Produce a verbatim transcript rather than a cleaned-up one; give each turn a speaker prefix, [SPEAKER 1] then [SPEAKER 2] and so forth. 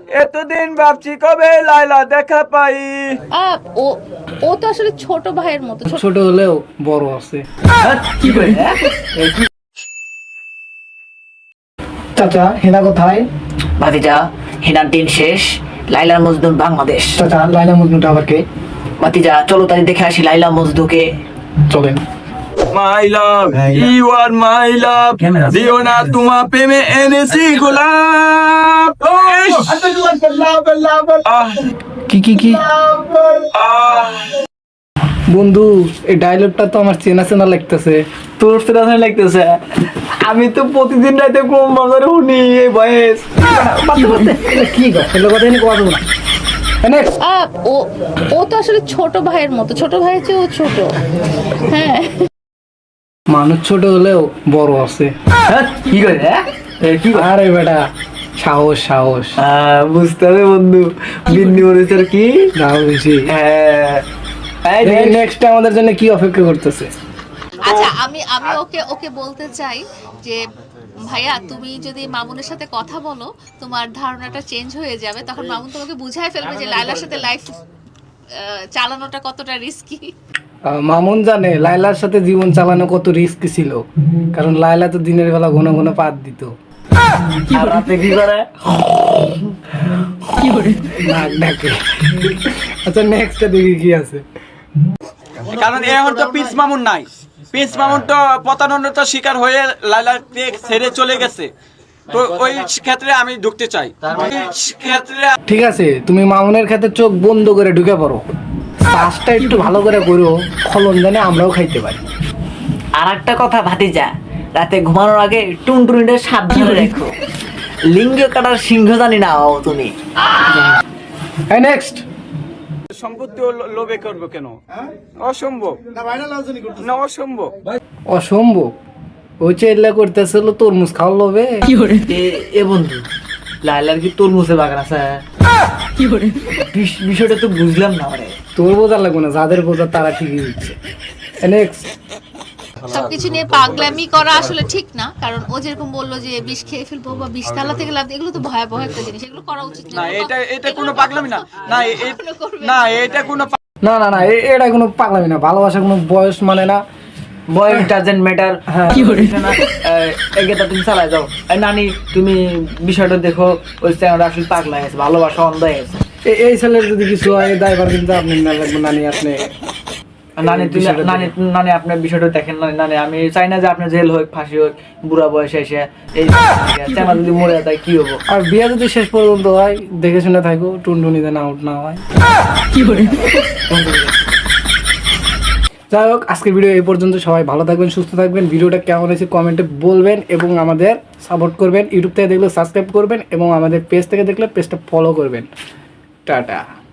[SPEAKER 1] এতদিন ভাবছি কবে লাইলা দেখা পাই।
[SPEAKER 2] আপ ও ও তো আসলে ছোট ভাইয়ের মতো ছোট
[SPEAKER 3] ছোট হলেও বড় আছে।
[SPEAKER 1] কি করে?
[SPEAKER 3] চাচা হেনা কোথায়?
[SPEAKER 4] ভাতিজা, হিনার দিন শেষ, লাইলা মজনু বাংলাদেশ।
[SPEAKER 3] চাচা লাইলা মজনুটা আবার কে?
[SPEAKER 4] ভাতিজা চলো তাই দেখে আসি লাইলা মজনুকে।
[SPEAKER 3] চলেন।
[SPEAKER 1] মাই লাভ ইউ আর মাই লাভ, দিও না তোমার প্রেমে এনেছি গোলাপ। আহ,
[SPEAKER 3] কি কি কি
[SPEAKER 1] আহ,
[SPEAKER 3] বন্ধু, এই ডায়লগটা তো আমার চেনা চেনা লাগতেছে।
[SPEAKER 1] তোর সেটা লাগতেছে। আমি তো প্রতিদিন রাতে কম বাজারে শুনি এই বয়স।
[SPEAKER 3] কি কথা এগুলো কথা নিয়ে কথা না। নেক্সট।
[SPEAKER 2] আপ ও ও তো আসলে ছোট ভাইয়ের মতো ছোট ভাইয়ের চেয়েও ছোট। হ্যাঁ
[SPEAKER 3] মানুষ ছোট হলেও বড় আছে।
[SPEAKER 1] কি করে? কি করে?
[SPEAKER 3] আরে বেটা, সাহস সাহস
[SPEAKER 1] আহ, বুঝতে হবে বন্ধু, বিন্দি মরিচের কি
[SPEAKER 3] দাও বেশি।
[SPEAKER 1] হ্যাঁ।
[SPEAKER 3] নেক্সট আমাদের জন্য কি অপেক্ষা করতেছে?
[SPEAKER 2] আচ্ছা আমি আমি ওকে ওকে বলতে চাই যে ভাইয়া তুমি যদি মামুনের সাথে কথা বলো তোমার ধারণাটা চেঞ্জ হয়ে যাবে, তখন মামুন তোমাকে বুঝাই ফেলবে যে লাইলার সাথে লাইফ চালানোটা কতটা রিস্কি।
[SPEAKER 3] আহ, মামুন জানে লাইলার সাথে জীবন চালানো কত রিস্ক ছিল, কারণ লাইলা তো দিনের বেলা ঘন ঘন পাত দিত।
[SPEAKER 1] আর রাতে কি করে?
[SPEAKER 3] নাক ডাকে। আচ্ছা নেক্সট দেখি কি আছে।
[SPEAKER 5] কারণ এখন তো পিস মামুন নাই, পিস মামুন তো প্রতারণার শিকার হয়ে লাইলাকে ছেড়ে চলে গেছে। তো ওই ক্ষেত্রে আমি ঢুকতে চাই, ওই ক্ষেত্রে
[SPEAKER 3] ঠিক আছে, তুমি মামুনের ক্ষেত্রে চোখ বন্ধ করে ঢুকে পড়ো, কাজটা একটু ভালো করে করো, ফলন জানে আমরাও খাইতে পারি।
[SPEAKER 4] আর একটা কথা ভাতিজা, রাতে ঘুমানোর আগে টুনটুনিটা সাবধানে রেখো, লিঙ্গ কাটার সিংহ জানি না হও তুমি।
[SPEAKER 3] হ্যাঁ নেক্সট।
[SPEAKER 5] সম্পত্তি লোভে করবো কেন? অসম্ভব না, অসম্ভব।
[SPEAKER 3] অসম্ভব। ওই চেল্লা করতেছিল তরমুজ খাওয়া লোভে।
[SPEAKER 4] এ- এ বন্ধু, লাইলার কি তরমুজে বাগান আছে? বিষ- বিষয়টা তো বুঝলাম না মানে।
[SPEAKER 3] তোর বোঝা লাগবে না, যাদের বোঝা তারা ঠিকই দিচ্ছে। নেক্সট।
[SPEAKER 2] সবকিছু নিয়ে পাগলামি করা আসলে ঠিক না, কারণ ও যেরকম বললো যে বিষ খেয়ে ফেলবো বা বিষ তালা থেকে লাভ, এগুলো তো ভয়াবহ একটা জিনিস, এগুলো করা উচিত
[SPEAKER 5] না, এটা এটা কোনো পাগলামি না। না এ- এ-
[SPEAKER 2] করবে
[SPEAKER 5] না এটা কোনো
[SPEAKER 3] না না না, এ- এটা কোনো পাগলামি না, ভালোবাসা কোনো বয়স মানে না।
[SPEAKER 4] বয়েস ডাজেন্ট ম্যাটার।
[SPEAKER 3] হ্যাঁ।
[SPEAKER 4] এগেটা তুমি চালাই যাও। এই নানি তুমি বিষয়টা দেখো, ওই চ্যানেলটা আসলে পাগলা গেছে, ভালোবাসা অন্ধ হয়ে গেছে।
[SPEAKER 3] এ- এই ছেলের যদি কিছু হয় দায়ভার কিন্তু আপনি না লাগবে, নানি আপনি।
[SPEAKER 4] নানি তুমি
[SPEAKER 3] বিষয়টা
[SPEAKER 4] নানি নানি আপনার বিষয়টা দেখেন। নানি নানি আমি চাই না যে আপনার জেল হোক, ফাঁসি হোক, বুড়া বয়সে এসে এই চ্যানেল যদি মরে যায় কি হবো?
[SPEAKER 3] আর বিয়ে যদি শেষ পর্যন্ত হয় দেখে শুনে থাকো, টুনটুনি যেন আউট না হয়। যাই হোক, আজকের ভিডিও এই পর্যন্ত। সবাই ভালো থাকবেন, সুস্থ থাকবেন। ভিডিওটা কেমন হয়েছে কমেন্টে বলবেন এবং আমাদের সাপোর্ট করবেন। ইউটিউব থেকে দেখলে সাবস্ক্রাইব করবেন এবং আমাদের পেজ থেকে দেখলে পেজটা ফলো করবেন। টাটা।